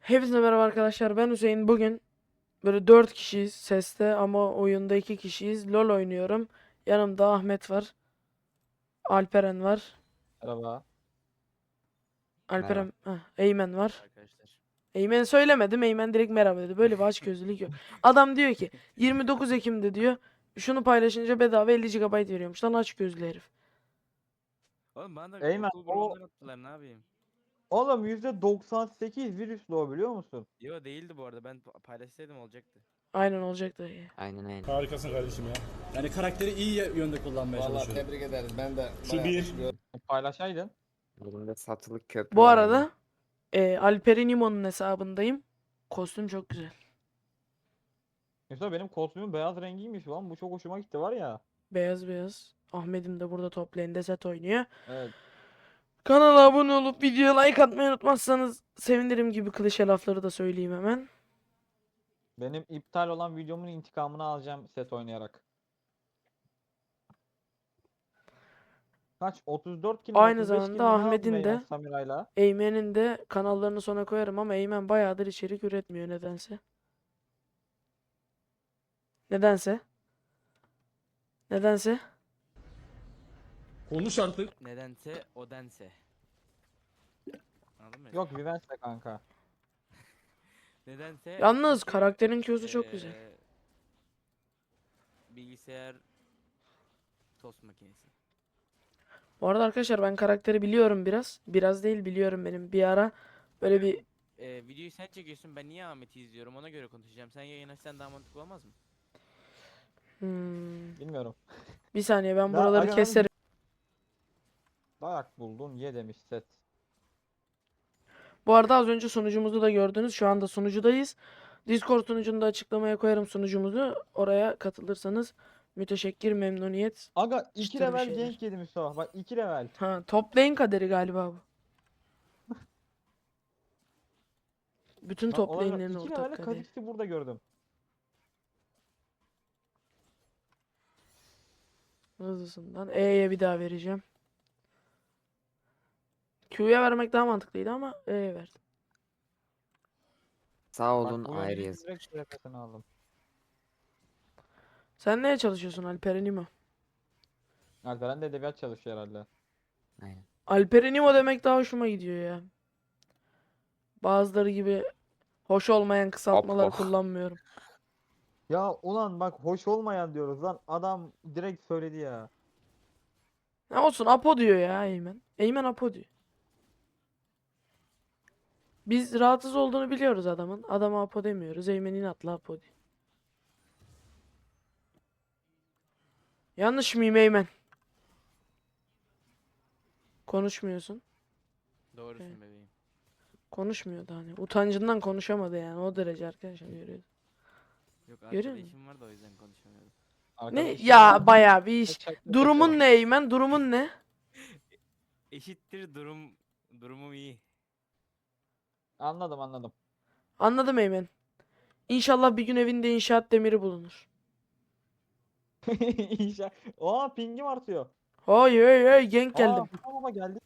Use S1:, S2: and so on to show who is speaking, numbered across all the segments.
S1: Hepinize merhaba arkadaşlar. Ben Hüseyin. Bugün böyle 4 kişiyiz seste ama oyunda 2 kişiyiz. LoL oynuyorum. Yanımda Ahmet var. Alperen var.
S2: Merhaba.
S3: Merhaba.
S1: Eymen var.
S3: Arkadaşlar.
S1: Eymen söylemedim. Eymen direkt merhaba dedi. Böyle bir açgözlülük yok. Adam diyor ki 29 Ekim'de diyor. Şunu paylaşınca bedava 50 GB veriyormuş. Lan açgözlü herif.
S3: Oğlum bana da
S2: Eymen,
S3: okul grubundan attılar, ne yapayım?
S2: Oğlum %98 virüslü o, biliyor musun?
S3: Yo, değildi bu arada, ben paylaşsaydım olacaktı.
S1: Aynen olacaktı.
S4: Aynen öyle.
S5: Harikasın kardeşim ya. Yani karakteri iyi yönde kullanmaya
S6: Vallahi
S5: çalışıyorum.
S6: tebrik ederiz. Ben de
S5: Şu
S6: bayağı
S5: bir.
S2: Paylaşaydın.
S4: Elimde satılık köprü
S1: Bu
S4: var
S1: arada Alperen İmo'nun hesabındayım. Kostüm çok güzel.
S2: Mesela benim kostümüm beyaz rengiymiş lan. Bu çok hoşuma gitti var ya.
S1: Beyaz beyaz. Ahmet'im de burada top lane'de set oynuyor.
S2: Evet.
S1: Kanala abone olup videoya like atmayı unutmazsanız sevinirim gibi klişe lafları da söyleyeyim hemen.
S2: Benim iptal olan videomun intikamını alacağım set oynayarak. Kaç? 34 kill mi?
S1: Aynı
S2: 35 kill
S1: zamanda
S2: mi ne aldım
S1: Ahmet'in
S2: Eymen
S1: de
S2: Samira'yla?
S1: Eymen'in de kanallarını sona koyarım ama Eymen bayağıdır içerik üretmiyor nedense. Nedense. Nedense.
S5: Konuş artık.
S3: Nedense o dense. Anladın mı?
S2: Yok Vivence'le kanka.
S3: Nedense
S1: Yalnız
S3: çünkü,
S1: karakterin Q'su çok güzel.
S3: Bilgisayar tost makinesi.
S1: Bu arada arkadaşlar ben karakteri biliyorum biraz. Biraz değil biliyorum benim. Bir ara böyle bir
S3: Videoyu sen çekiyorsun, ben niye Ahmet'i izliyorum, ona göre konuşacağım. Sen yayın açsan daha mantıklı olmaz mı?
S2: Bilmiyorum.
S1: bir saniye ben
S2: Daha
S1: buraları
S2: Agan'ın
S1: keserim.
S2: Dayak buldun ye demiş set.
S1: Bu arada az önce sunucumuzu da gördünüz. Şu anda sunucudayız. Discord sunucunu da açıklamaya koyarım sunucumuzu. Oraya katılırsanız müteşekkir memnuniyet.
S2: Aga 2
S1: Çıtır bir
S2: level
S1: şeyler.
S2: gank yedim Mustafa. Bak 2 level.
S1: Ha, top lane kaderi galiba bu. Bütün top lane'lerin
S2: 2
S1: ortak
S2: level'e
S1: kaderi.
S2: Kha'Zix'i burada gördüm.
S1: Hızlısından. E'ye bir daha vereceğim. Q'ya vermek daha mantıklıydı ama E'ye verdim.
S4: Sağ
S2: Bak
S4: olun
S2: bu
S4: ayrı
S2: yönünün
S4: yazın.
S2: direkt şerefesini aldım.
S1: Sen neye çalışıyorsun Alperen İmo?
S2: Alperen de edebiyat çalışıyor herhalde.
S4: Aynen.
S1: Alperen İmo demek daha hoşuma gidiyor ya. Bazıları gibi hoş olmayan kısaltmalar
S4: Apo.
S1: kullanmıyorum.
S2: Ya ulan bak hoş olmayan diyoruz lan. Adam direkt söyledi ya.
S1: Ne olsun Apo diyor ya Eymen. Eymen Apo diyor. Biz rahatsız olduğunu biliyoruz adamın. Adama Apo demiyoruz. Eymen inatla Apo diyor. Yanlış mıyım Eymen? Konuşmuyorsun.
S3: Doğrusun
S1: Evet.
S3: bebeğim.
S1: Konuşmuyordu hani. Utancından konuşamadı yani. O derece arkadaşlar görüyoruz.
S3: Yok,
S1: Görüyor
S3: arkada
S1: musun?
S3: işim var da o yüzden konuşamıyorum.
S2: Arkada
S1: Ne?
S2: işim
S1: Ya
S2: var.
S1: bayağı bir iş.
S2: Çakmak
S1: Durumun
S2: yapıyorum.
S1: ne Eymen? Durumun ne?
S3: Eşittir durumum iyi.
S2: Anladım anladım.
S1: Anladım Eymen. İnşallah bir gün evinde inşaat demiri bulunur.
S2: İnşa. Aa pingim artıyor.
S1: Hay hey hey genk geldim.
S2: Baba geldi.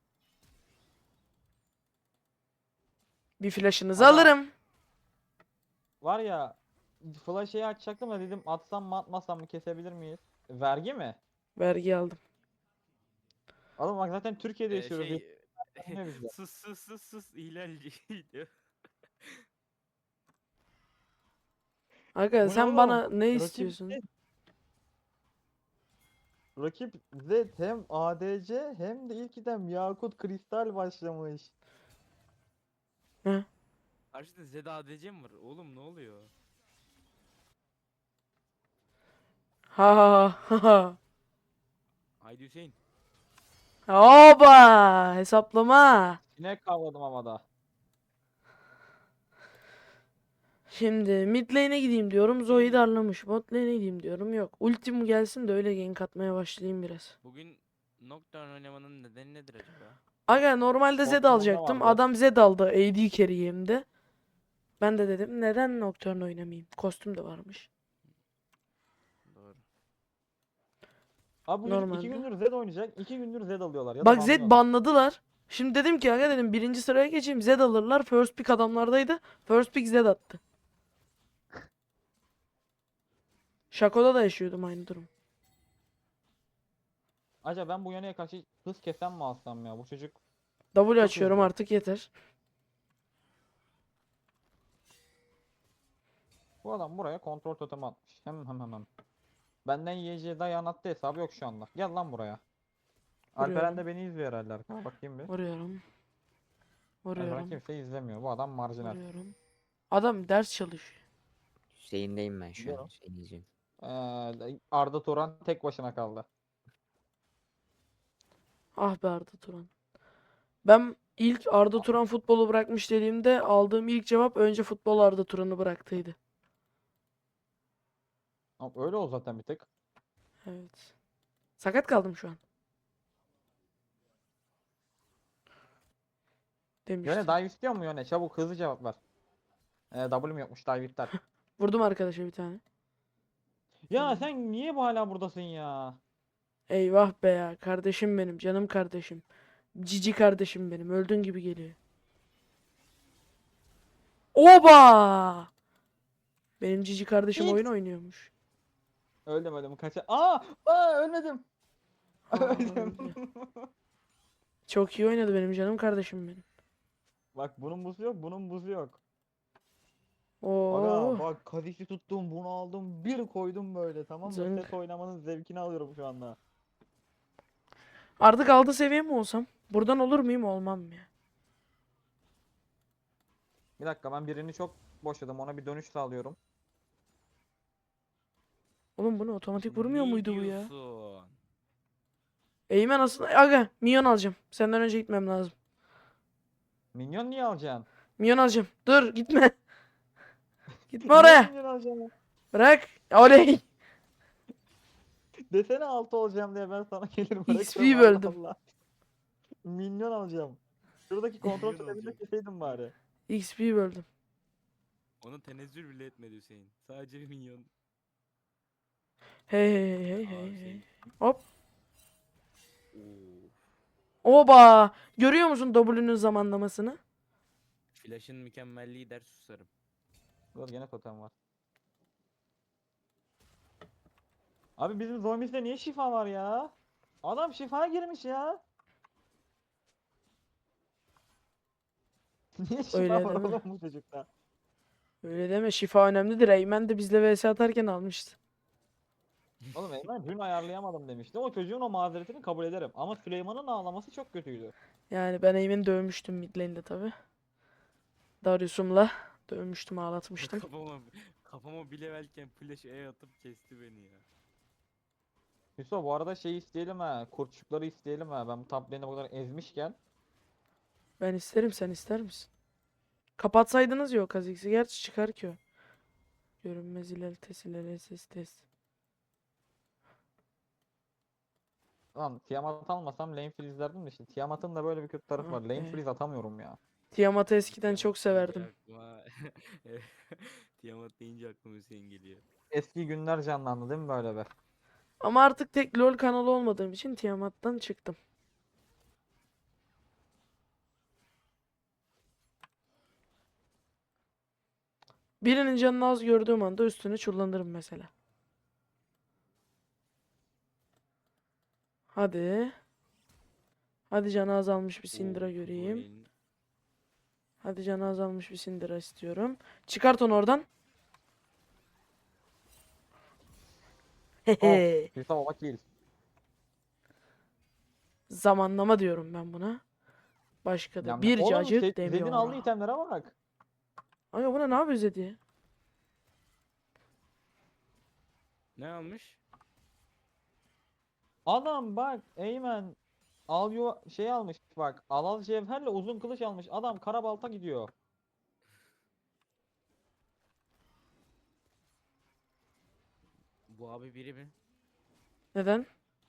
S1: Bir flaşınızı
S2: Ama-
S1: alırım.
S2: Var ya flash'ı açacaktım da dedim atsam mı atmasam mı kesebilir miyiz? Vergi mi?
S1: Vergi aldım.
S2: Oğlum bak zaten Türkiye'de yaşıyoruz. Ne bizde?
S3: sus ihlalci diyor.
S1: Aga
S2: Bu ne
S1: sen
S2: oğlum?
S1: bana ne
S2: Rakip
S1: istiyorsun?
S2: Z. Rakip Z hem ADC hem de ilk item Yakut Kristal başlamış.
S3: Karşıda Zed ADC mi var? Oğlum ne oluyor?
S1: Ha ha ha ha.
S3: Haydi Hüseyin.
S1: Oba hesaplama.
S2: Sinek kavladım ama da.
S1: Şimdi mid lane'e gideyim diyorum. Zoe darlamış. Bot lane'e gideyim diyorum. Yok. Ultim gelsin de öyle gank atmaya başlayayım biraz.
S3: Bugün Nocturne oynamanın nedeni nedir acaba?
S1: Aga normalde Zed
S2: Bottom'da
S1: alacaktım.
S2: vardı.
S1: Adam Zed aldı. AD carry hem de. Ben de dedim neden Nocturne oynamayayım? Kostüm de varmış.
S3: Doğru.
S2: Abi bu çocuk 2
S1: Normalde.
S2: gündür Z oynayacak. 2 gündür Z alıyorlar. Ya da
S1: Bak Zed
S2: banlıyorlar.
S1: banladılar. Şimdi dedim ki aga dedim birinci sıraya geçeyim. Zed alırlar. First pick adamlardaydı. First pick Zed attı. Şako'da da yaşıyordum aynı durum.
S2: Acaba ben bu yöneye karşı hız kesen mi alsam ya? Bu çocuk
S1: W
S2: Çok
S1: açıyorum
S2: hızlı.
S1: artık yeter.
S2: bu adam buraya kontrol totemi atmış. Hem. Benden YC dayan attı hesabı yok şu anda. Gel lan buraya. Alperen
S1: Vuruyorum.
S2: de beni izliyor herhalde arkadaşlar. Bakayım bir.
S1: Vuruyorum.
S2: Alperen
S1: Vuruyorum.
S2: kimse izlemiyor. Bu adam marjinal.
S1: Vuruyorum. Adam ders çalışıyor.
S4: Hüseyin'deyim ben şu
S2: Biliyorum.
S4: an. Hüseyin izliyorum.
S2: Arda Turan tek başına kaldı.
S1: Ah be Arda Turan. Ben ilk Arda Turan futbolu bırakmış dediğimde aldığım ilk cevap önce futbol Arda Turan'ı bıraktıydı.
S2: Ama öyle o zaten bir tek.
S1: Evet. Sakat kaldım şu an. Demiştim.
S2: Yöne dive istiyor mu Yöne? Çabuk hızlı cevap ver. W'm yokmuş dive iptal.
S1: Vurdum arkadaşa bir tane.
S2: Ya sen niye bu hala buradasın ya?
S1: Eyvah be ya. Kardeşim benim. Canım kardeşim. Cici kardeşim benim. Öldün gibi geliyor. Oba! Benim cici kardeşim
S2: Hiç.
S1: oyun oynuyormuş.
S2: Öldüm kaça. Ölmedim.
S1: Aa,
S2: Öldüm.
S1: öldü. Çok iyi oynadı benim canım kardeşim benim.
S2: Bak bunun buzu yok, bunun buzu yok.
S1: Oo.
S2: Aga bak Kha'Zix'i tuttum, bunu aldım, bir koydum böyle, tamam mı?
S1: Zınk.
S2: Set oynamanın zevkini alıyorum şu anda.
S1: Artık 6 seviye mi olsam? Buradan olur muyum olmam mı ya?
S2: Bir dakika ben birini çok boşladım, ona bir dönüş sağlıyorum.
S1: Oğlum bunu otomatik vurmuyor
S3: Ne
S1: muydu bu ya?
S3: diyorsun?
S1: Eğmen aslında. Aga minyon alacağım. Senden önce gitmem lazım.
S2: Minyon niye alacaksın?
S1: Minyon alacağım. Dur gitme. Gitme
S2: Niye
S1: oraya.
S2: minyon alacaksın?
S1: Bırak. Oley.
S2: Desene 6 olacağım diye ben sana gelir
S1: XP
S2: bırakırım, Allah
S1: böldüm.
S2: Allah. Minyon alacağım. Şuradaki kontrol
S3: Minyon
S2: totemini de
S3: alacağım.
S2: keseydim bari.
S1: XP böldüm.
S3: Onu tenezzül bile etmedi Hüseyin. Sadece bir minyon.
S1: Hey hey hey
S3: Aa,
S1: hey hey.
S3: Hüseyin.
S1: Hop.
S3: Oo.
S1: Oba. Görüyor musun W'nün zamanlamasını?
S3: Flash'ın mükemmelliği der susarım.
S2: Dur gene totem var. Abi bizim zombisinde niye şifa var ya? Adam şifa girmiş ya. Niye şifa
S1: Öyle
S2: var
S1: deme.
S2: oğlum bu çocukta?
S1: Öyle deme. Şifa önemlidir. Eymen de bizle vs atarken almıştı.
S2: Oğlum Eymen dün ayarlayamadım demişti. O çocuğun o mazeretini kabul ederim. Ama Süleyman'ın ağlaması çok kötüydü.
S1: Yani ben Eymen'i dövmüştüm mid lane'de tabi. Darius'umla dövmüştüm, ağlatmıştım.
S3: Kafama bir levelken flash E atıp kesti beni ya.
S2: Hüso bu arada şey isteyelim ha. Kurtçukları isteyelim ha. Ben bu top lane'i bu kadar ezmişken.
S1: Ben isterim, sen ister misin? Kapatsaydınız yok Kha'Zix'i. Gerçi çıkar ki o. Görünmez ilerletesi ilerletesi test.
S2: Lan Tiamat almasam lane freeze derdim de işte. Tiamat'ın da böyle bir kötü tarafı var.
S1: Ah
S2: Lane
S1: be.
S2: freeze atamıyorum ya.
S1: Tiamat'ı eskiden çok
S3: Tiamat deyince
S1: severdim.
S3: aklıma- Tiamat deyince aklıma Hüseyin geliyor.
S2: Eski günler canlandı değil mi böyle be?
S1: Ama artık tek LoL kanalı olmadığım için Tiamat'tan çıktım. Birinin canını az gördüğüm anda üstüne çullanırım mesela. Hadi. Hadi canı azalmış bir Syndra
S3: Oo,
S1: göreyim.
S3: Zoe'nin-
S1: Hadi canı azalmış bir Syndra istiyorum. Çıkart onu oradan. Hehe.
S2: Hüso baba kill.
S1: Zamanlama diyorum ben buna. Başka da
S2: Ya
S1: bir
S2: oğlum
S1: cacık
S2: Zed'in
S1: demiyor.
S2: aldığı itemlere bak.
S1: Aga buna ne yapıyor Zed ya?
S3: Ne almış?
S2: Adam bak Eymen şey almış bak. Alal cevherle uzun kılıç almış. Adam karabalta gidiyor.
S3: Bu abi biri mi?
S1: Neden?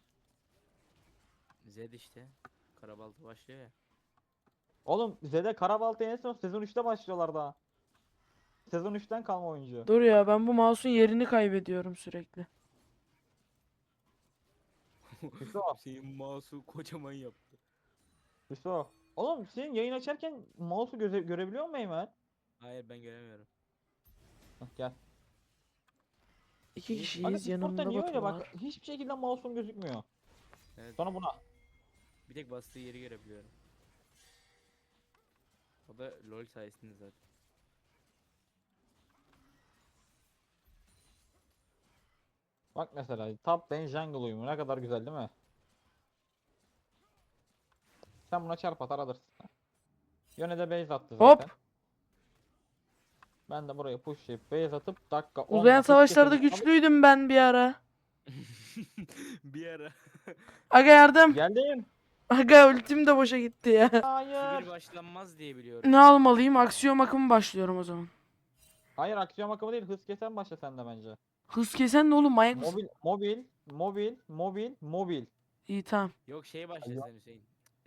S3: Zed işte. Karabaltı başlıyor ya.
S2: Oğlum Zed'e karabalta en son sezon 3'te başlıyorlar daha. Sezon 3'ten kalma oyuncu.
S1: Dur ya, ben bu mouse'un yerini kaybediyorum sürekli.
S2: Hüso,
S3: Hüseyin mouse'u kocaman yaptı.
S2: Hüso. Oğlum senin yayın açarken mouse'u görebiliyor musun Eymen?
S3: Hayır ben göremiyorum.
S2: Hah, gel.
S1: İki
S3: Niye?
S1: kişiyiz.
S2: Aga Discord'da
S1: Yanımda
S2: niye
S1: Batu
S2: öyle bak?
S1: var.
S2: Hiçbir şekilde mouse'um gözükmüyor.
S3: Evet.
S2: Sonra buna.
S3: Bir tek bastığı yeri görebiliyorum. O da LoL sayesinde zaten.
S2: Bak mesela top lane jungle uyumu ne kadar güzel değil mi? Sen buna çarp atar alırsın. Yone de base attı
S1: Hop.
S2: zaten. Ben de buraya pushlayıp base atıp dakika 10'da
S1: Uzayan
S2: hız
S1: savaşlarda
S2: keselim.
S1: güçlüydüm ben bir ara.
S3: Bir ara.
S1: Aga yardım.
S2: Geldim.
S1: Aga ultim de boşa gitti ya.
S3: Şu
S2: Hayır.
S3: bir başlanmaz diye biliyorum.
S1: Ne almalıyım? Aksiyon akımı başlıyorum o zaman.
S2: Hayır aksiyon akımı değil hız kesen başla sen de bence.
S1: Hız kesen ne oğlum, manyak mısın?
S2: Mobil.
S1: İyi tamam.
S3: Yok şey başla sen Hüseyin.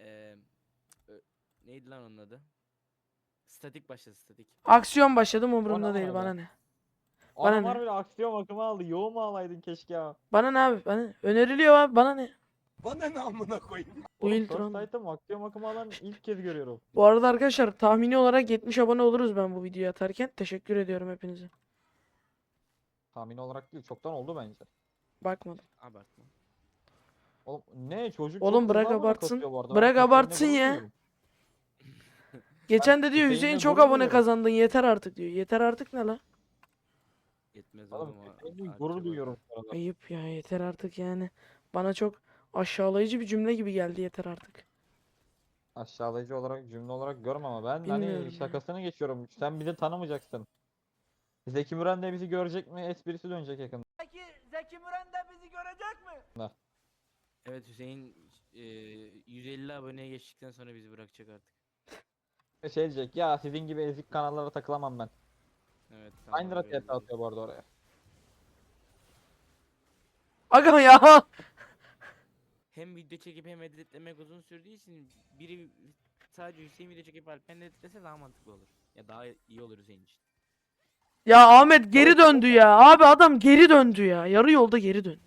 S3: Neydi lan onun adı? Statik başla statik.
S1: Aksiyon başladım,
S2: O
S1: umurumda
S2: ne
S1: değil,
S2: öyle?
S1: bana ne? Bana
S2: Adam
S1: ne?
S2: var bile aksiyon akımı aldı. Yoğun mu alaydın keşke ya.
S1: Bana ne abi? Bana ne? Öneriliyor abi, bana ne?
S6: Bana ne amına koyayım?
S1: Bu
S2: Oğlum
S1: ilk round.
S2: First Sight'ta aksiyon akımı alan ilk kez görüyorum.
S1: Bu arada arkadaşlar tahmini olarak 70 abone oluruz ben bu videoyu atarken. Teşekkür ediyorum hepinize.
S2: Tahmin olarak değil çoktan oldu bence.
S1: Bakmadım.
S3: Abartma.
S2: Oğlum ne çocuk
S1: Oğlum
S2: çok
S1: bırak
S2: hızlı abone
S1: abartsın.
S2: kasıyor bu arada.
S1: Bırak
S2: Ben Hüseyin'le
S1: abartsın
S2: gurur
S1: ya.
S2: duyuyorum.
S1: Geçen de diyor
S2: Hüseyin'le
S1: Hüseyin çok
S2: gurur
S1: abone
S2: duyuyorum.
S1: kazandın, yeter artık diyor. Yeter artık ne la?
S3: Yetmez
S2: Oğlum
S3: oğlum o.
S2: Hüseyin'le
S3: Arka
S2: gurur
S3: bak.
S2: duyuyorum bu arada.
S1: Ayıp ya, yeter artık yani. Bana çok aşağılayıcı bir cümle gibi geldi, yeter artık.
S2: Aşağılayıcı olarak cümle olarak görme ama ben
S1: Bilmiyorum
S2: hani
S1: ya.
S2: şakasını geçiyorum. Sen bizi tanımayacaksın. Zeki Müren de bizi görecek mi? Esprisi dönecek yakında.
S6: Peki Zeki Müren de bizi görecek mi?
S3: Evet Hüseyin 150 aboneye geçtikten sonra bizi bırakacak artık.
S2: Şey diyecek ya sizin gibi ezik kanallara takılamam ben.
S3: Evet
S2: Aynı lira
S3: öyle
S2: TP
S3: diyecek.
S2: atıyor bu arada oraya.
S1: Aga ya.
S3: Hem video çekip hem editlemek uzun sürdüğü için biri sadece Hüseyin video çekip Alpen editlese daha mantıklı olur. Ya daha iyi olur Hüseyin için.
S1: Ya Ahmet geri döndü ya. Abi adam geri döndü ya. Yarı yolda geri dön.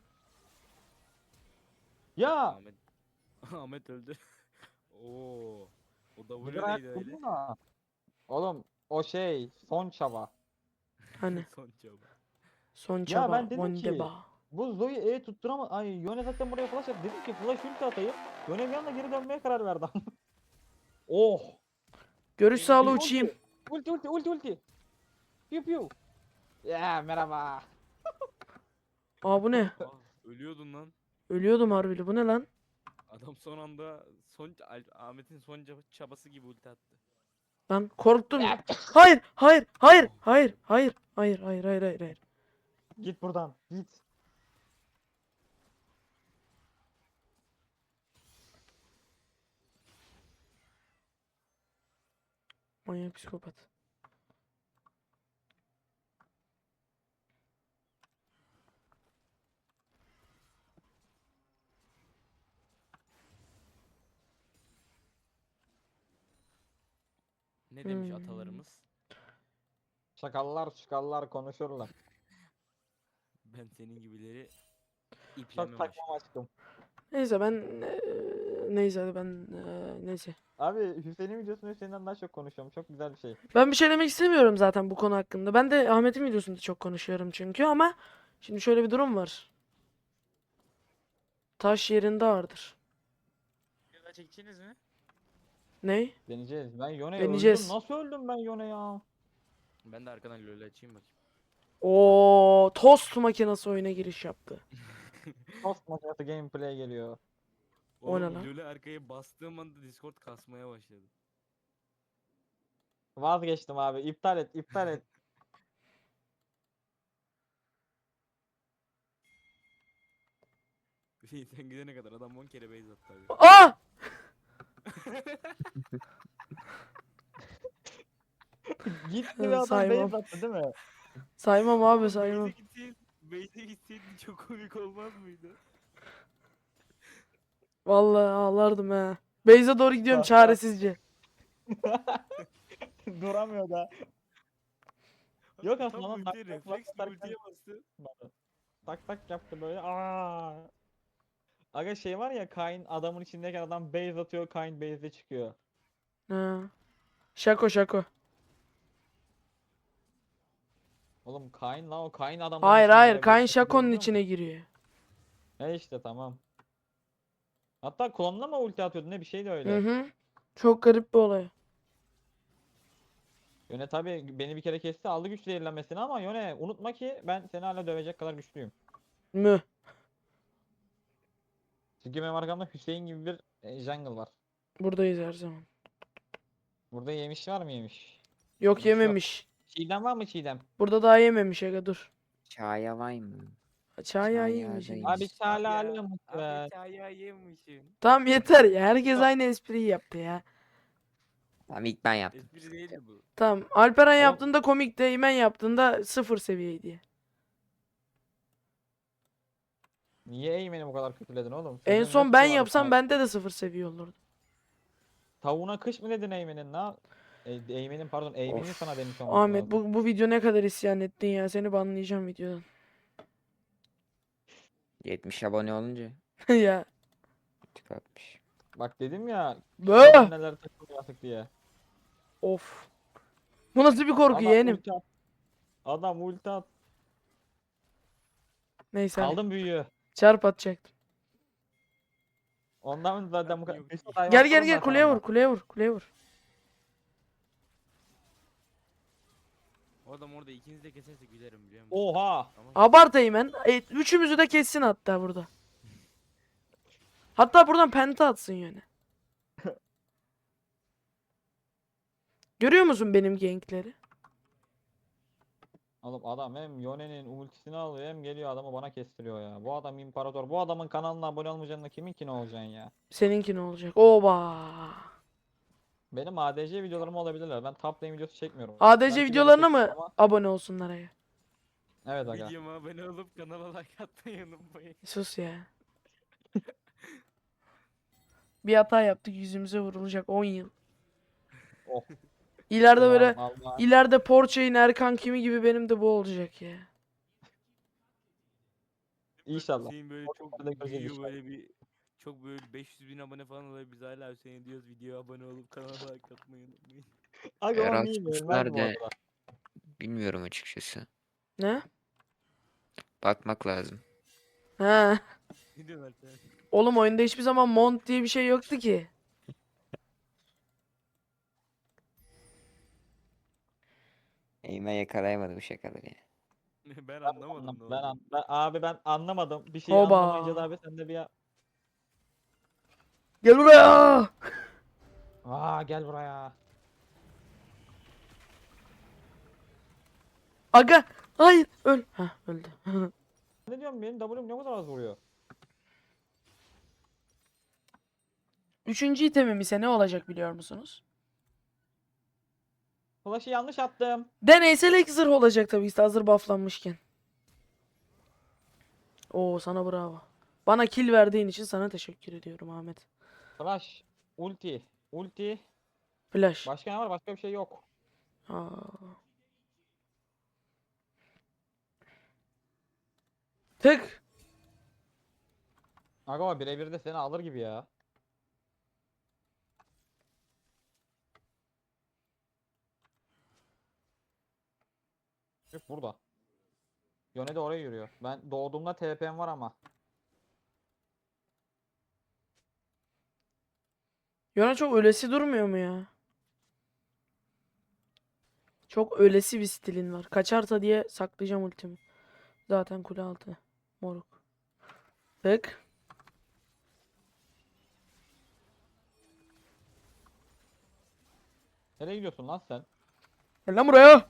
S2: Ya!
S3: Ahmet Ahmet öldü. Oo. O da
S2: Bir
S3: vuruyor neydi
S2: ayak
S3: öyle?
S2: vurdun da. Oğlum o şey son çaba.
S1: Hani
S3: Son çaba.
S1: son çaba.
S2: ben dedim ki-
S1: Wondeba.
S2: Bu Zoe tutturama ay Yone zaten buraya flash attı. Dedim ki flash ulti atayım. Yone bir anda geri dönmeye karar verdi. Oh!
S1: Görüş sağlığı
S2: Ulti,
S1: uçayım.
S2: Ulti. Piu piu. Ya merhaba.
S1: Aa bu ne?
S3: Ölüyordun lan.
S1: Ölüyordum harbili. Bu ne lan?
S3: Adam son anda Ahmet'in son çabası gibi ulti attı.
S1: Lan korktum. Hayır, hayır, hayır, hayır, hayır, hayır, hayır, hayır, hayır, hayır.
S2: Git buradan. Git.
S1: Manyak psikopat.
S3: Ne demiş
S1: Hmm.
S3: atalarımız?
S2: Şakallar konuşurlar.
S3: Ben senin gibileri
S2: Çok
S3: iplemem
S2: takmam aşkım.
S1: Neyse ben neyse hadi ben neyse.
S2: Abi Hüseyin'in videosunu Hüseyin'den daha çok konuşuyorum. Çok güzel bir şey.
S1: Ben bir şey demek istemiyorum zaten bu konu hakkında. Ben de Ahmet'in videosunda çok konuşuyorum çünkü, ama şimdi şöyle bir durum var. Taş yerinde ağırdır.
S3: Daha çekeceğiniz mi?
S1: Ney?
S2: Deneyeceğiz. Ben Yone'yi
S1: Deneyeceğiz.
S2: öldüm. Nasıl öldüm ben Yone ya?
S3: Ben de arkadan LoL açayım bakayım.
S1: O tost makinesi oyuna giriş yaptı.
S2: Tost makinesi gameplay geliyor.
S1: O ne
S3: Oğlum
S1: lan?
S3: LoL'e arkaya bastığım anda Discord kasmaya başladı.
S2: Vazgeçtim abi. İptal et.
S3: Hüseyin sen gidene kadar adam 10 kere base attı abi.
S1: Aa!
S2: Gitti ve adam
S1: Saymam.
S2: base attı değil mi?
S1: Saymam abi, saymam.
S3: Base'e gitseydin çok komik olmaz mıydı?
S1: Vallahi ağlardım ha. Beyza doğru gidiyorum
S2: Bak, bak.
S1: çaresizce.
S2: Duramıyor da. Yok
S3: Tam
S2: aslında lan,
S3: ultiye
S2: tak,
S3: refleks
S2: tak,
S3: bir ultiye bastı.
S2: Tak yaptı böyle. Aa. Aga şey var ya, Kayn adamın içindeyken adam base atıyor, Kayn base'de çıkıyor.
S1: Ha. Şako şako.
S2: Oğlum Kayn la, o Kayn adamın
S1: Hayır
S2: içinde
S1: hayır.
S2: ya,
S1: Kayn
S2: Ghost Rider'ı
S1: Şako'nun
S2: biliyor musun?
S1: içine giriyor.
S2: He işte tamam. Hatta klonuna mı ulti atıyordu ne, bir şey de
S1: Hı
S2: öyle.
S1: hı. Çok garip bir olay.
S2: Yone tabi beni bir kere kesti, aldı güç zehirlenmesini, ama Yone unutma ki ben seni hala dövecek kadar güçlüyüm.
S1: Mü.
S2: Çünkü benim arkamda Hüseyin gibi bir jungle var.
S1: Buradayız her zaman.
S2: Burada yemiş var mı yemiş?
S1: Yok
S2: Yemiş yok.
S1: yememiş.
S2: Çiğdem var mı Çiğdem?
S1: Burada daha yememiş aga dur.
S4: Çaya var mı?
S1: Çay
S4: Çay
S1: iyiymiş.
S4: ağzıymış.
S2: Abi hala
S3: Ya,
S2: alıyormuş be.
S3: abi çaya yemişsin.
S1: Tamam yeter ya. Herkes aynı espriyi yaptı ya.
S4: Tamam ilk ben yaptım.
S3: Espri değildi bu.
S1: Tamam. Alperen
S2: Oğlum-
S1: yaptığında komikti. Eymen yaptığında sıfır seviyeydi.
S2: Niye Eymen'i bu kadar kötüledin oğlum?
S1: En
S2: Çocuğun
S1: son
S2: ne
S1: ben
S2: suçu var
S1: yapsam
S2: sana?
S1: bende de sıfır seviye olurdu.
S2: Tavuğuna kış mı dedin Eymen'in? Eymen'in pardon, Eymen'in
S1: Of.
S2: sana demiş olması
S1: Ahmet
S2: lazım.
S1: bu video ne kadar isyan ettin ya. Seni banlayacağım videodan.
S4: 70 abone olunca
S1: Ya.
S4: tıklatmış.
S2: Bak dedim ya,
S1: Böh!
S2: neler takılıyor artık diye.
S1: Of. Bu nasıl bir korku
S2: Adam
S1: yeğenim?
S2: ulti at. Adam ulti at.
S1: Neyse hadi.
S2: Aldım büyüğü.
S1: Çarp atacaktım.
S2: Ondan zaten bu
S3: Abi
S2: kadar.
S3: yok
S2: Mesut
S3: ki.
S2: hayvan
S1: Gel gel
S2: sorun
S1: gel
S2: zaten
S1: kuleye
S2: onda.
S1: vur kuleye vur kuleye vur.
S3: O adam orada ikiniz de keserse gülerim biliyor musun?
S2: Oha.
S3: Ama
S1: Abart Eymen. Üçümüzü de kessin hatta burada. Hatta buradan penta atsın yani. Görüyor musun benim gankleri?
S2: Oğlum adam hem Yone'nin ultisini alıyor hem geliyor adamı bana kestiriyor ya. Bu adam imparator. Bu adamın kanalına abone olmayacaksın da kiminki ne olacaksın ya?
S1: Seninki ne olacak? Oba.
S2: Benim ADC videolarım olabilirler. Ben top lane videosu çekmiyorum.
S1: ADC
S2: Belki
S1: videolarına
S2: çekerim
S1: mı
S2: ama-
S1: abone olsunlar ya?
S2: Evet aga.
S3: videoma abone olup kanala like atmayı unutmayın.
S1: Sus ya. Bir hata yaptık yüzümüze vurulacak 10 yıl.
S2: Oh.
S1: İleride böyle
S2: Ulan Allah.
S1: ileride Porsche'in Erkan kimi gibi benim de bu olacak ya.
S2: İnşallah.
S3: Hüseyin böyle
S2: O
S3: çok
S2: kadar da göreceğiz
S3: büyüyor,
S2: inşallah.
S3: böyle bir çok böyle 500 bin abone falan oluyor, biz hala Hüseyin diyoruz, videoya abone olup kanala like atmayı unutmayın.
S2: Aga o
S4: Erasmus
S2: niye vermez bu
S4: nerede?
S2: arada?
S4: Bilmiyorum açıkçası.
S1: Ne?
S4: Bakmak lazım.
S1: Ha.
S3: Ne diyorlar sen?
S1: Oğlum oyunda hiçbir zaman mont diye bir şey yoktu ki.
S4: Eğime yakalayamadı bu şakaları ya.
S3: Ben anlamadım ne oldu.
S2: Abi ben anlamadım. Bir şey
S1: Hoba.
S2: anlamayınca da abi sen de bir
S1: Gel buraya.
S2: gel buraya.
S1: Aga. Hayır. Öl. Ha öldü.
S2: Ne diyorum, benim W'm ne kadar az vuruyor.
S1: Üçüncü itemim ise ne olacak biliyor musunuz?
S2: Flash'ı yanlış attım.
S1: Deneysel ek zırh olacak tabii ki hazır bufflanmışken. Oo sana bravo. Bana kill verdiğin için sana teşekkür ediyorum Ahmet.
S2: Flash, ulti, ulti.
S1: Flash.
S2: Başka ne var? Başka bir şey yok.
S1: Aa. Tık.
S2: Aga o birebir de seni alır gibi ya. Yok burada. Yone de oraya yürüyor. Ben doğduğumda TP'm var ama.
S1: Yona çok ölesi durmuyor mu ya? Çok ölesi bir stilin var. Kaçarsa diye saklayacağım ultimi. Zaten kule altı. Moruk. Tık.
S2: Nereye gidiyorsun lan sen?
S1: Gel lan buraya.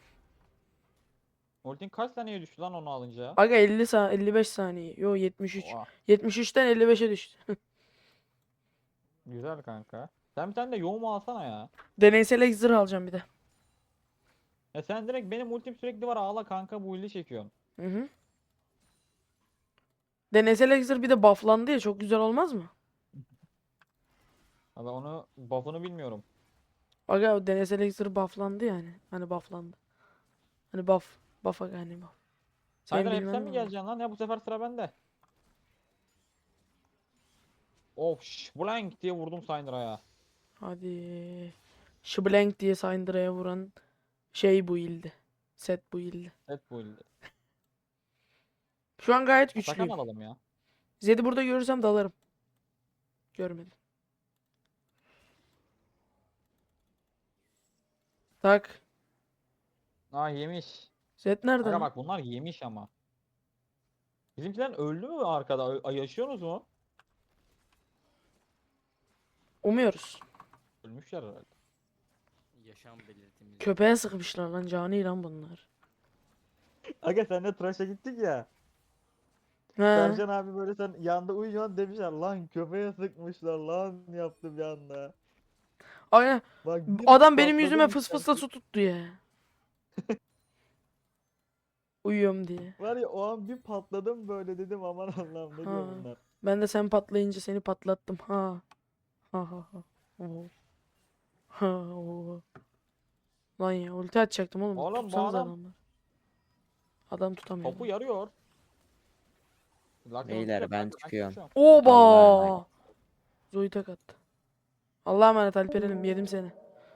S2: Ultin kaç saniyeye düştü lan onu alınca?
S1: Aga 55 saniye. Yo 73.
S2: Oha,
S1: 73'ten 55'e düştü.
S2: güzel kanka. Sen bir tane de yoğumu alsana ya.
S1: Deneysel ek zırh alacağım bir de.
S2: Ya sen direkt benim ultim sürekli var, ağla kanka, bu illi çekiyorsun.
S1: Hı hı. Deneysel ek zırh bir de bufflandı ya çok güzel olmaz mı?
S2: Aga onu buff'unu bilmiyorum.
S1: Aga o deneysel ek zırh bufflandı yani. Hani bufflandı. Hani buff. Buff aga hani buff. Senin
S2: Haydar hep sen
S1: bilmen
S2: mi
S1: lazım.
S2: geleceksin lan? Ya bu sefer sıra bende. Of blank diye vurdum Syndra'ya.
S1: Hadi. Şıblenk diye Syndra'ya vuran şey bu ildi. Set bu ildi.
S2: Evet bu ilde.
S1: Şu an gayet
S2: Atakan
S1: güçlüyüm.
S2: alalım ya.
S1: Zed'i burada görürsem dalarım. Görmedim. Tak.
S2: Aa yemiş.
S1: Zed nerede
S2: Aga
S1: lan?
S2: bak bunlar yemiş ama. Bizimkiler öldü mü arkada? Yaşıyorsunuz mu?
S1: Umuyoruz.
S2: Ölmüşler herhalde.
S3: Yaşam belirtimiz.
S1: Köpeğe sıkmışlar lan, cani lan bunlar.
S2: Aga senle tıraşa gittik ya.
S1: He.
S2: Sercan abi böyle sen yanda uyuyorsun demişler lan köpeğe sıkmışlar lan yaptım yanda.
S1: Ay,
S2: Bak
S1: adam benim yüzüme
S2: patladım
S1: fıs fısla su tuttu ya. Uyuyorum diye.
S2: Var ya o an bir patladım böyle dedim aman Allah'ım ne diyor
S1: Ha.
S2: bunlar.
S1: Ben de sen patlayınca seni patlattım. Ha. Ha ha ha. Oo. Ha oo. Lan ya ulti atacaktım oğlum.
S2: Oğlum bu
S1: Tutsanız
S2: adam-
S1: adamlar. Adam tutamıyor.
S2: Topu yarıyor. Lakson
S4: Beyler,
S2: tutuyor
S4: ben
S2: kanka,
S4: çıkıyorum.
S2: kaçıyorum.
S1: Oba!
S4: Allah'a emanet.
S1: Zoe tek attı. Allah'a emanet Alperen'im, yedim seni.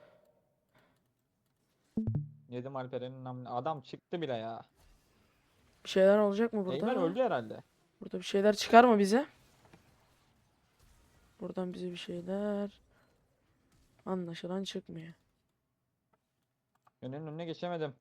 S2: Yedim Alperen'in namını. Adam çıktı bile ya.
S1: Bir şeyler olacak mı burada?
S2: Eymen öldü herhalde.
S1: Burada bir şeyler çıkar mı bize? Buradan bize bir şeyler anlaşılan çıkmıyor.
S2: Yönünün önüne geçemedim.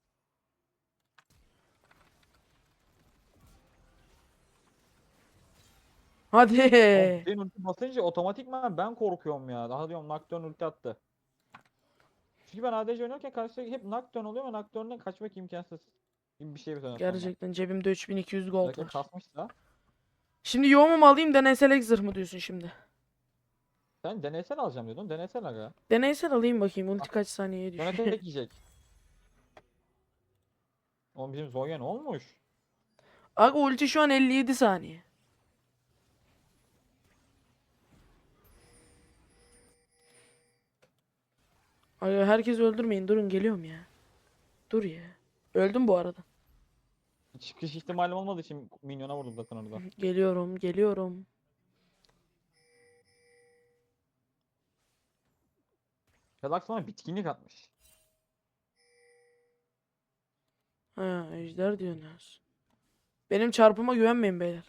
S1: Hadi.
S2: Oğlum, senin ulti basınca otomatikman ben korkuyorum ya. Daha diyorum Nocturne ulti attı. Çünkü ben ADC oynarken karşıya hep Nocturne oluyor ama Nocturne'den kaçmak imkansız. Gibi bir şey bir sonra.
S1: Gerçekten cebimde 3200 gold
S2: Belki
S1: var.
S2: kasmışsa.
S1: Şimdi yoğumu mu alayım, deneysel exir mı diyorsun şimdi?
S2: Sen deneysel alacağım diyordun. Deneysel aga.
S1: Deneysel alayım bakayım ulti kaç saniyeye
S2: Sonra
S1: düşüyor.
S2: tek yiyecek. Oğlum bizim Zonya ne olmuş?
S1: Aga ulti şu an 57 saniye. Aga herkes öldürmeyin, durun geliyorum ya. Dur ya. Öldüm bu arada.
S2: Çıkış ihtimalim olmadığı için minyona vurdum zaten orada.
S1: Geliyorum, geliyorum.
S2: Relax bana bitkinlik atmış.
S1: Ha, ejder diyorsunuz. Benim çarpıma güvenmeyin beyler.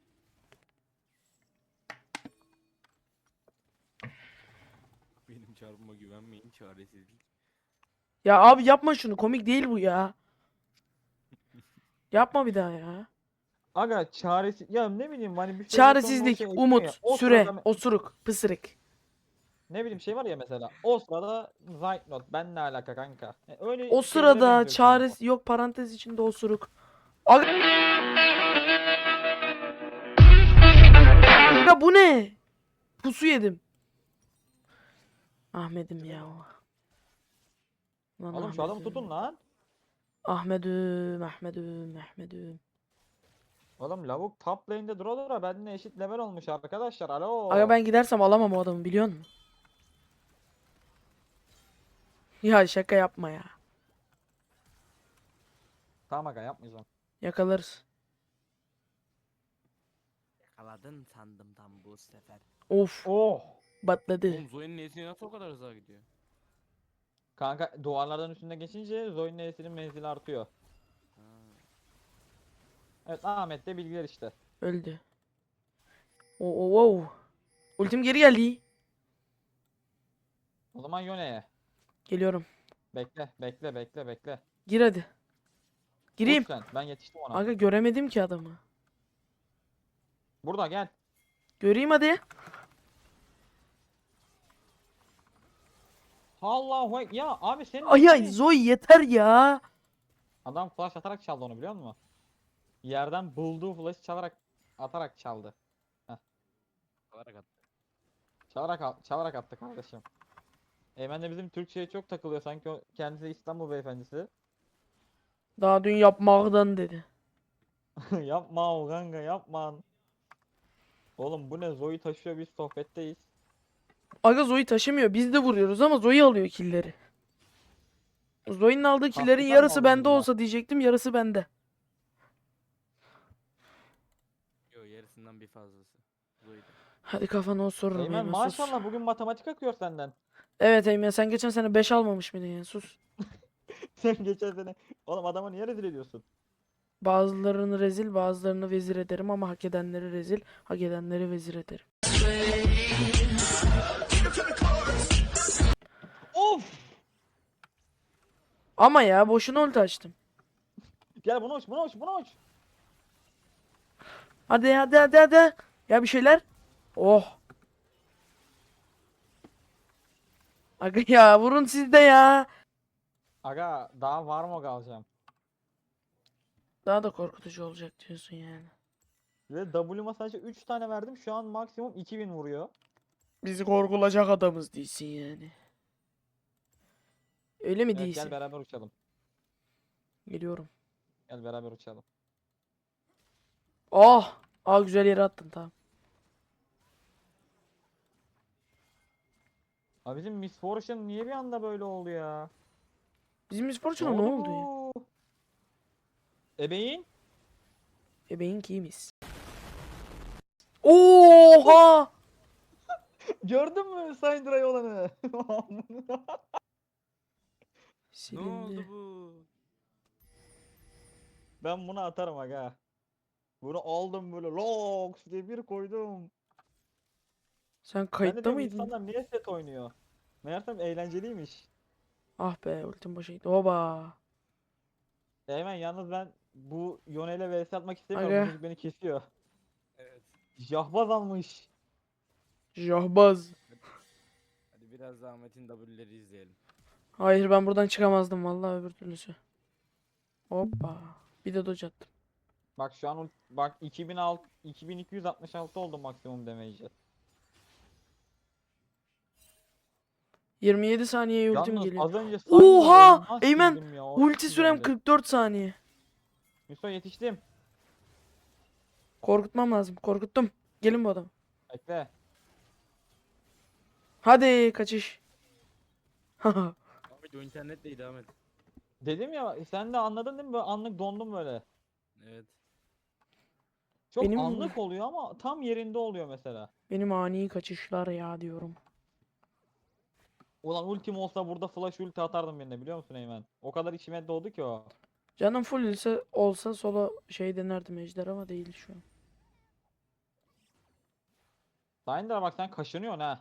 S3: Benim çarpıma güvenmeyin, çaresizlik.
S1: Ya abi yapma şunu, komik değil bu ya. Yapma bir daha ya.
S2: Aga çaresiz ya ne bileyim hani bir şey
S1: Çaresizlik,
S2: ekliyor ya.
S1: umut,
S2: O
S1: süre,
S2: sırada
S1: osuruk, pısırık.
S2: ne bileyim şey var ya mesela o sırada Zeitnot ben ne alaka kanka. Öyle
S1: O
S2: şeylere
S1: sırada
S2: benziyor şu anda bu.
S1: çaresiz, yok parantez içinde osuruk. Aga... Ya bu ne? Pusu yedim. Ahmet'im ya. Lan
S2: Oğlum şu adamı
S1: Ahmet'im.
S2: tutun lan.
S1: Ahmet'im.
S2: Oğlum lavuk top lane'de dura benimle eşit level olmuş arkadaşlar. Alo.
S1: Aga ben gidersem alamam o adamı, biliyor musun? Ya şaka yapma ya.
S2: Tamam aga yapmayacağım.
S1: Yakalarız.
S3: Yakaladın sandım tam bu sefer.
S1: Of,
S2: Oh.
S1: batladı.
S3: Oğlum Zoe'nin nesine nasıl o kadar hızlı gidiyor?
S2: Kanka duvarlardan üstünde geçince Zoe'nin E'sinin menzili artıyor.
S3: Ha.
S2: Evet Ahmet de bilgiler işte.
S1: Öldü. Oo. Ultim geri geldi.
S2: O zaman Yone'ye.
S1: Geliyorum.
S2: Bekle.
S1: Gir hadi. Gireyim.
S2: Vur sen. Ben yetiştim ona.
S1: Aga göremedim ki adamı.
S2: Burada gel.
S1: Göreyim hadi.
S2: Allahu ya abi senin
S1: Ay
S2: hani-
S1: Zoe yeter ya.
S2: Adam flash atarak çaldı onu biliyor musun? Yerden bulduğu flash'ı atarak çaldı.
S3: Olarak attı.
S2: Çalarak attı kardeşim. Eymen de bizim Türkçe'ye çok takılıyor sanki o kendisi İstanbul beyefendisi.
S1: Daha dün yapmaktan dedi.
S2: Yapma o kanka yapma. Oğlum bu ne Zoe taşıyor biz sohbetteyiz.
S1: Aga Zoe taşımıyor. Biz de vuruyoruz ama Zoe alıyor killleri. Zoe'nin aldığı killerin
S2: Haklılar mı
S1: yarısı
S2: aldın
S1: bende
S2: bunlar?
S1: olsa diyecektim, yarısı bende.
S3: Yo yarısından bir fazlası. Zoe'de.
S1: Hadi kafana o sorurum
S2: Eymen
S1: Eymen, sus.
S2: maşallah bugün matematik akıyor senden.
S1: Evet Eymen, sen geçen sene 5 almamış mıydın ya? Sus.
S2: Sen geçen sene. Oğlum adamı niye rezil ediyorsun?
S1: Bazılarını rezil, bazılarını vezir ederim ama hak edenleri rezil, hak edenleri vezir ederim.
S2: Of!
S1: Ama ya boşuna ulti açtım.
S2: Gel bunu uç, bunu uç, bunu uç.
S1: Hadi hadi hadi hadi. Ya bir şeyler. Oh. Aga ya, vurun siz de ya.
S2: Aga daha var mı alacağım?
S1: Daha da korkutucu olacak diyorsun yani.
S2: Ve W'ma sadece 3 tane verdim. Şu an maksimum 2000 vuruyor.
S1: Bizi korkulacak adamız değilsin yani. Öyle mi
S2: Evet
S1: değilsin?
S2: gel beraber uçalım.
S1: Geliyorum.
S2: Gel beraber uçalım.
S1: Oh. Aa, güzel yere attın, tamam.
S2: Abi bizim Miss Fortune niye bir anda böyle oldu ya?
S1: Bizim Miss Fortune'a ne oldu ya?
S2: bu? Ebeğin?
S1: Ebeğin kimiz? Oha!
S2: Gördün mü Syndra'yı olanı?
S3: Ne
S1: Silindi.
S3: oldu bu?
S2: Ben bunu atarım aga. Bunu aldım böyle loks diye bir koydum.
S1: Sen
S2: Ben de
S1: kayıtta
S2: diyorum
S1: mıydın?
S2: insanlar niye set oynuyor? Meğersem eğlenceliymiş.
S1: Ah be, ultim boşa gitti. Oba.
S2: Hemen yalnız ben bu Yone ile vs atmak istemiyorum.
S1: Aga.
S2: Bu çocuk beni kesiyor.
S3: Evet.
S2: Jahbaz almış.
S1: Jahbaz.
S3: Hadi biraz da Ahmet'in W'leri izleyelim.
S1: Hayır, ben buradan çıkamazdım vallahi öbür türlüsü. Hoppa. Bir de dodge attım.
S2: Bak şu an bak 2266 oldu maksimum damage'i.
S1: 27 saniyeye ultim
S2: Yalnız
S1: geliyor.
S2: az önce
S1: Oha!
S2: Syndra'yı nasıl
S1: Eymen,
S2: sildim ya, o
S1: ulti
S2: çok
S1: sürem
S2: güzeldi.
S1: 44 saniye.
S2: Yusuf yetiştim.
S1: Korkutmam lazım. Korkuttum. Gelin bu adam.
S2: Bekle.
S1: Hadi kaçış. Haha.
S3: Ahmet o internetteydi Ahmet.
S2: Dedim ya sen de anladın değil mi? Böyle anlık dondum böyle.
S3: Evet.
S2: Çok
S1: Benim-
S2: anlık oluyor ama tam yerinde oluyor mesela.
S1: Benim ani kaçışlar ya diyorum.
S2: Ulan ultim olsa burada flash ulti atardım birine biliyor musun Eymen? O kadar içime doğdu ki o.
S1: Canım full ise olsa solo şey denerdim ejder ama değil şu an.
S2: Syndra bak sen kaşınıyorsun ha.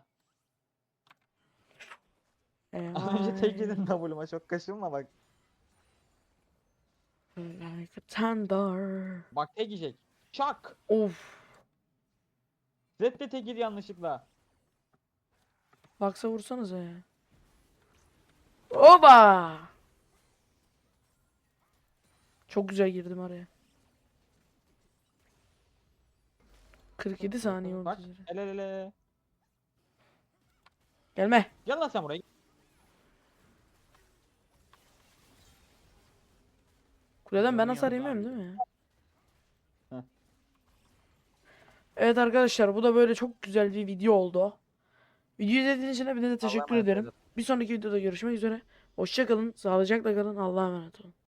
S2: Az önce tek yedin W'ma çok kaşınma bak.
S1: Like a thunder.
S2: Bak tek yiyecek. Çak.
S1: Of.
S2: Zed de tek yedi yanlışlıkla.
S1: Laksa vursanıza ya. Oba! Çok güzel girdim araya. 47 saniye oldu.
S2: Bak
S1: üzere.
S2: ele ele.
S1: Gelme.
S2: Gel lan sen buraya.
S1: Kuleden ben
S3: Yanı
S1: hasar
S3: yanında
S1: yemiyorum
S3: abi.
S1: değil mi ya?
S2: Heh.
S1: Evet arkadaşlar, bu da böyle çok güzel bir video oldu. Videoyu izlediğiniz için hepinize teşekkür
S3: emanet
S1: ederim.
S3: olun.
S1: Bir sonraki videoda görüşmek üzere. Hoşça kalın, sağlıcakla kalın, Allah'a emanet olun.